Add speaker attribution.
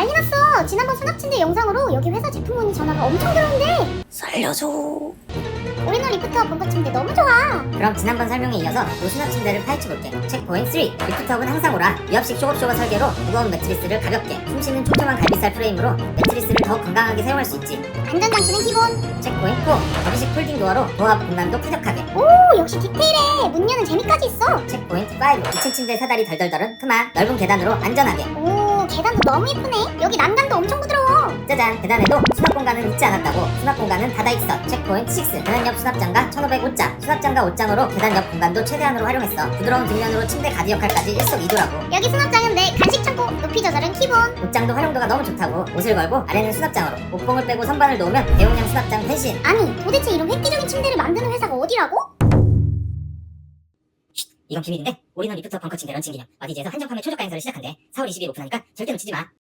Speaker 1: 난리 났어. 지난번 수납침대 영상으로 여기 회사 제품 문의 전화가 엄청 들어온대.
Speaker 2: 살려줘.
Speaker 1: 우리는 리프트업 벙커 침대 너무 좋아.
Speaker 2: 그럼 지난번 설명에 이어서 노수납 침대를 파헤쳐볼게. 체크포인트 3. 리프트업은 항상 오라. 유압식 쇼업쇼거 설계로 무거운 매트리스를 가볍게, 숨쉬는 촘촘한 갈비살 프레임으로 매트리스를 더욱 건강하게 사용할 수 있지.
Speaker 1: 안전장치는 기본.
Speaker 2: 체크포인트 4. 접이식 폴딩 도어로 도어 앞 공간도 쾌적하게.
Speaker 1: 오, 역시 디테일해. 문 여는 재미까지 있어.
Speaker 2: 체크포인트 5. 2층 침대 사다리 덜덜덜은 그만. 넓은 계단으로 안전하게.
Speaker 1: 오, 계단도 너무 예쁘네. 여기 난간도 엄청 부드러워.
Speaker 2: 짜잔, 계단에도 수납 공간은 잊지 않았다고. 수납 공간은 닫아있어. 체크포인트 6. 계단 옆 수납장과 1505장. 수납장과 옷장으로 계단 옆 공간도 최대한으로 활용했어. 부드러운 뒷면으로 침대 가디 역할까지 일석이조라고.
Speaker 1: 여기 수납장은 내 간식 창고. 높이 조절은 기본.
Speaker 2: 옷장도 활용도가 너무 좋다고. 옷을 걸고 아래는 수납장으로. 옷봉을 빼고 선반을 놓으면 대용량 수납장 대신.
Speaker 1: 아니, 도대체 이런 획기적인 침대를 만드는 회사가 어디라고?
Speaker 2: 이건 비밀인데 올인원 리프트업 벙커 침대 런칭 기념 어디지에서 한정 판매 초저가 행사를 시작한대. 4월 20일 오픈하니까 절대 놓치지 마.